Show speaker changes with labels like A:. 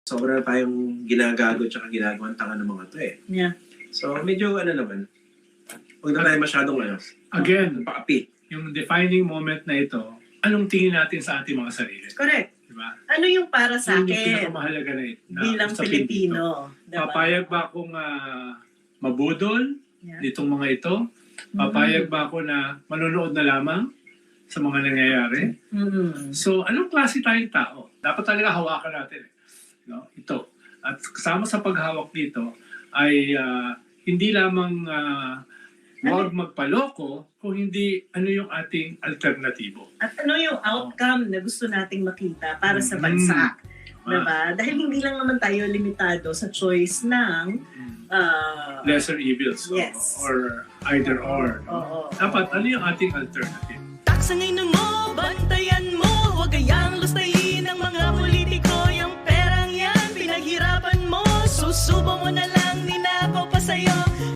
A: sobra tayong ginagago at ginagawang tanga ng mga to eh.
B: Yeah.
A: So medyo naman, huwag na tayo masyadong
C: Again,
A: paapi.
C: yung defining moment na ito, anong tingin natin sa ating mga sarili?
B: Correct.
C: Diba?
B: Ano yung para sa
C: Yun yung
B: akin
C: pinakamahalaga na
B: bilang
C: usapin dito.
B: Pilipino? Diba?
C: Papayag ba akong mabudol
B: Yeah.
C: nitong mga ito? Papayag ba ako na manonood na lamang sa mga nangyayari?
B: Mm.
C: So, anong klase tayong tao? Dapat talaga hawakan natin. No? Ito. At kasama sa paghawak dito ay hindi lamang huwag magpaloko, kung hindi ano yung ating alternatibo.
B: At ano yung outcome na gusto nating makita para sa bansa? Diba? Dahil hindi lang naman tayo limitado sa choice ng
C: Lesser evils.
B: Yes.
C: Or either or.
B: Oo.
C: Dapat ano yung ating alternative?
D: Taksangin mo, bantayan mo, huwag kayang lustayin ng mga politiko. Yung perang yan, pinaghirapan mo, susubo mo na lang, ninakaw pa sa'yo.